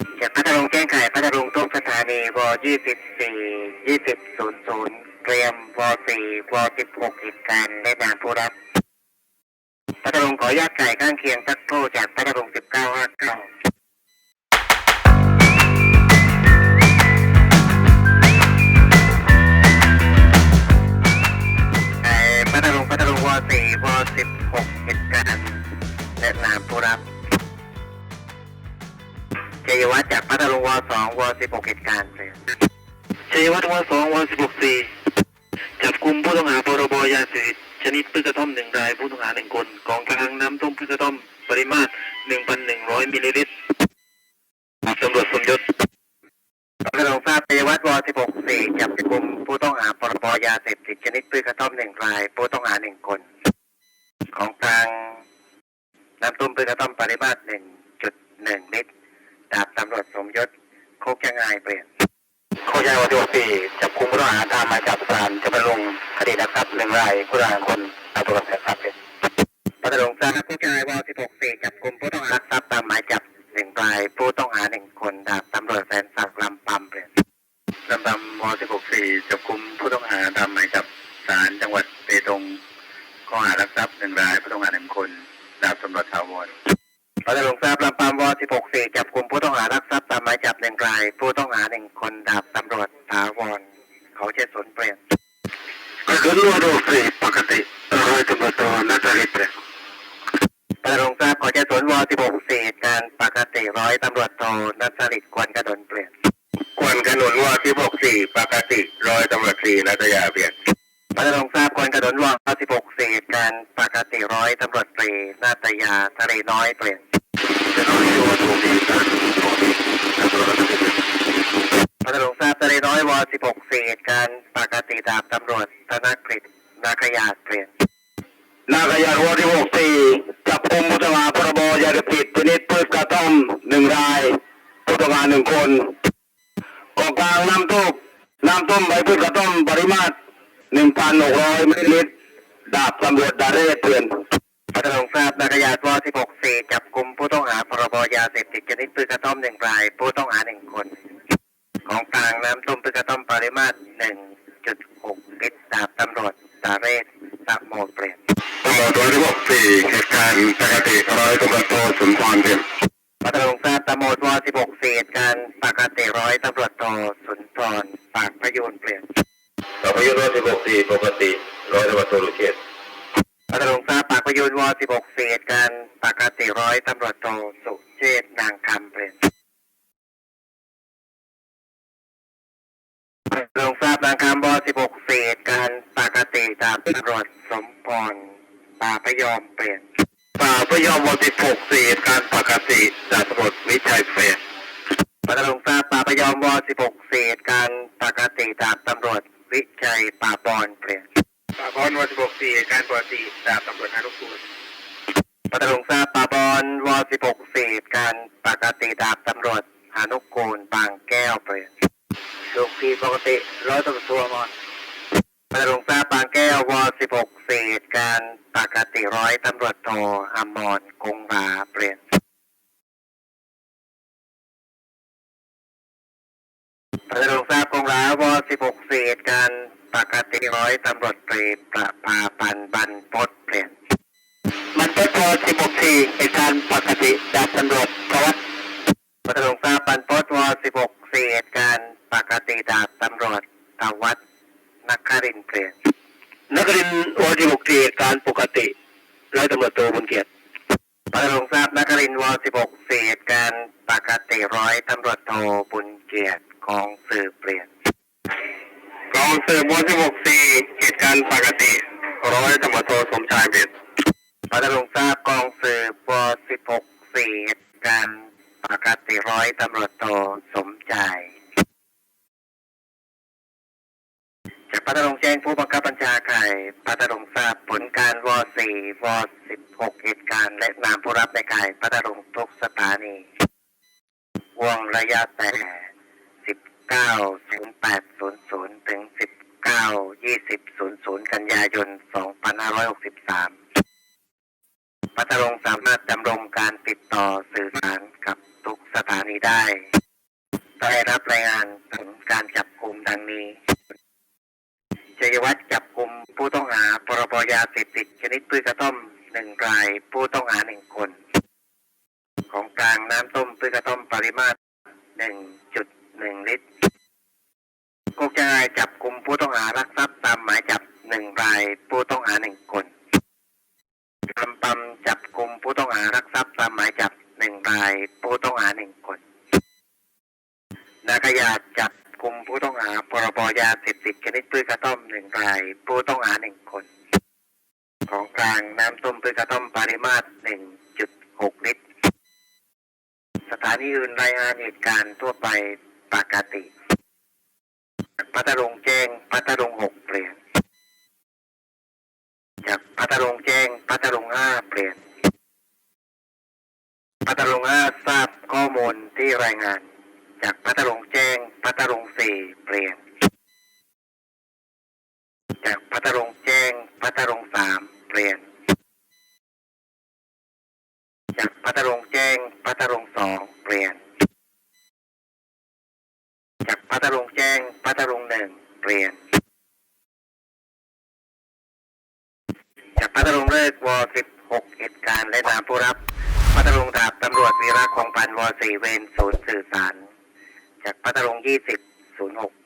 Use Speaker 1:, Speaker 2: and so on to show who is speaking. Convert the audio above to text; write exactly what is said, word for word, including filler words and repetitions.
Speaker 1: จากพัทลุงแจ้งไขพัทลุงทุกสถานีวยี่สิบสี่ยี่สิบศูนย์ศูนย์เตรียมวสี่วสิบหกเหตุการณ์และนามผู้รับพัทลุงขออนุญาตไก่ข้างเคียงสักครู่จากพัทลุงสิบเก้าห้าเก้าพัทลุงพัทลุงวสี่วสิบหกเหตุการณ์และนามผู้รับชัยวัฒน์จากพัทลุงวสองวสิบหกเหตุการณ์เลยชัยวัฒน์วสองวสิบหกสี่จับกุมผู้ต้องหาพรบยาเสพติดชนิดพืชกระท่อมหนึ่งรายผู้ต้องหาหนึ่งคนของกลางน้ำต้มพืชกระท่อมปริมาตร หนึ่งพันหนึ่งร้อย มิลลิลิตรตำรวจสมยศกระทรวงทราบชัยวัฒน์วสิบหกสี่จับกุมผู้ต้องหาพรบยาเสพติดชนิดพืชกระท่อมหนึ่งรายผู้ต้องหาหนึ่งคนของกลางน้ำต้มพืชกระท่อมปริมาตร หนึ่งจุดหนึ่ง ลิตรดาบตำรวจสมยศโคกยังไงเปลี่ยนโคกยังไงวันที่สี่จับกุมผู้ต้องหาตามหมายจับศาลจะไปลงคดีลักทรัพย์หนึ่งรายผู้ต้องหาคนตำรวจแสนทรัพย์เป็นพัทลุงทราบโคกยังไงวันที่หกสี่จับกุมผู้ต้องหาลักทรัพย์ตามหมายจับหนึ่งรายผู้ต้องหาหนึ่งคนดาบตำรวจแสนศักดิ์ลำปำเปลี่ยนลำปำวสิบหกสี่จับกุมผู้ต้องหาตามหมายจับศาลจังหวัดเปตงข้อหาลักทรัพย์หนึ่งรายผู้ต้องหาหนึ่งคนดาบตำรวจถาวรพัทลุงทราบลำปางวสิบหกสี่จับกุมผู้ต้องหารักทรัพย์ตามหมายจับหนึ่งรายผู้ต้องหาหนึ่งคนดาบตำรวจถาวรเขาเชษสนเปลี่ยนกระสุนวสี่ปกติร้อยตำรวจโทนัทริศเปลี่ยนพัทลุงทราบเขาเชษสนวสิบหกสี่การปกติร้อยตำรวจโทนัทริศควรกระดนเปลี่ยนควรกระดนวสิบหกสี่ปกติร้อยตำรวจสี่นัทยาเปลี่ยนพัทลุงทราบควรกระดนวสิบหกสี่การปกติร้อยตำรวจตรีนาตยาทะเลน้อยเปลี่ยนพัทลุงทราบทะเลน้อยวสิบหกสี่เหตุการณ์ปกติดาบตำรวจธนกฤษนาคยาเปลี่ยนนาคยาวสิบหกสี่จับกุมผู้ต้องหาพรบยาเสพติดชนิดพืชกระท่อมหนึ่งรายผู้ต้องหาหนึ่งคนของกลางน้ำต้มน้ำต้มใบพืชกระท่อมปริมาตร หนึ่งพันหกร้อย มิลลิลิตรดาบตำรวจดาเรศเปลี่ยนพัทลุงทราบนาคยาวสิบหกสี่จับกุมผู้ต้องหาพรบยาเสพติดชนิดพืชกระท่อมหนึ่งรายผู้ต้องหาหนึ่งคนของกลางน้ำต้มพืชกระท่อมปริมาตร หนึ่งจุดหก ลิตรดาบตำรวจดาเรศตะโมเปลี่ยนตำรวจวสิบหกสี่เหตุการณ์ปกติร้อยตำรวจโทสุนทรเปลี่ยนพัทลุงทราบตำรวจวสิบหกสี่เหตุการณ์ปกติร้อยตำรวจโทสุนทรปากพยูนเปลี่ยนปากพยูนวสิบหกสี่ปกติร้อยตำรวจโทลุเชษพัทลุงทราบปากพยูนวสิบหกสี่เหตุการณ์ปกติร้อยตำรวจโทสุเชษนางคำเปลี่ยนลงทราบนางคำวสิบหกสี่เหตุการณ์ปกติดาบตำรวจสมพรป่าพยอมเปลี่ยนป่าพยอมวสิบหกสี่เหตุการณ์ปกติดาบตำรวจวิชัยเปลี่ยนพัทลุงทราบป่าพยอมวสิบหกสี่เหตุการณ์ปกติดาบตำรวจวิชัยป่าบอนเปลี่ยนป่าบอนวสิบหกสี่เหตุการณ์ปกติดาบตำรวจนารุกูลพัทลุงทราบป่าบอนวสิบหกสี่เหตุการณ์ปกติดาบตำรวจหานุกูลบางแก้วเปลี่ยนลูกพี่ปกติร้อยตำรวจตัวมอนพัทลุงทราบบางแก้ววสิบหกสี่เหตุการณ์ปกติร้อยตำรวจโทอมรคงราเปลี่ยนพัทลุงทราบคงราวสิบหกสี่เหตุการณ์ปกติร้อยตำรวจตรีประภาพันธ์บรรพตเปลี่ยนมันเป็นวสิบหกสี่เหตุการณ์ปกติดาบตำรวจทวัฒน์พัทลุงทราบบรรพตวสิบหกสี่เหตุการณ์ปกติดาบตำรวจทวัฒน์นักครินเปลี่ยนนักครินวสิบหกสี่เหตุการณ์ปกติร้อยตำรวจโทบุญเกียรติพัทลุงทราบนักครินวสิบหกสี่เหตุการณ์ปกติร้อยตำรวจโทบุญเกียรติกองสืบเปลี่ยนกองสืบวสิบหกสี่เหตุการณ์ปกติร้อยตำรวจโทสมชายเปลี่ยนพัทลุงทราบกองสืบวสิบหกสี่เหตุการณ์ปกติร้อยตำรวจโทสมชายจากพัทลุงแจ้งผู้บังคับบัญชาไข่พัทลุงทราบผลการวสี่วสิบหกเหตุการณ์และนามผู้รับในไข่พัทลุงทุกสถานีวงระยะแต่สิบเก้า ศูนย์แปด ศูนย์ ศูนย์ ถึง สิบเก้า ยี่สิบ ศูนย์ ศูนย์ กันยายน สองพันห้าร้อยหกสิบสาม พัทลุงสามารถดำรงการติดต่อสื่อสารกับทุกสถานีได้ได้รับรายงานถึงการจับกลุ่มดังนี้ชัยวัฒน์จับกลุ่มผู้ต้องหาพรบยาเสพติดชนิดพืชกระท่อมหนึ่งรายผู้ต้องหาหนึ่งคนของกลางน้ำต้มพืชกระท่อมปริมาตร หนึ่งจุดหนึ่ง ลิตรโคกจะจับกลุ่มผู้ต้องหารักทรัพย์ตามหมายจับหนึ่งรายผู้ต้องหาหนึ่งคนลำปำจับกลุ่มผู้ต้องหารักทรัพย์ตามหมายจับหนึ่งรายผู้ต้องหาหนึ่งคนนาขยาดจับกลุ่มผู้ต้องหาพรบยาเสพติดชนิดพืชกระท่อมหนึ่งรายผู้ต้องหาหนึ่งคนของกลางน้ำต้มพืชกระท่อมปริมาตร หนึ่งจุดหก ลิตรสถานีอื่นรายงานเหตุการณ์ทั่วไปปกติพัทลุงแจ้งพัทลุงหกเปลี่ยนจากพัทลุงแจ้งพัทลุงห้าเปลี่ยนพัทลุงห้าทราบข้อมูลที่รายงานจากพัทลุงแจ้งพัทลุงสี่เปลี่ยนจากพัทลุงแจ้งพัทลุงสามเปลี่ยนจากพัทลุงแจ้งพัทลุงสองเปลี่ยนจากพัทลุงแจ้งพัทลุงหนึ่งเปลี่ยนจากพัทลุงเลิกวสิบหกเหตุการณ์และนามผู้รับพัทลุงดาบตำรวจวีระคงพันธ์วสี่เวรศูนย์สื่อสารจากพัทลุงยี่สิบศูนย์หก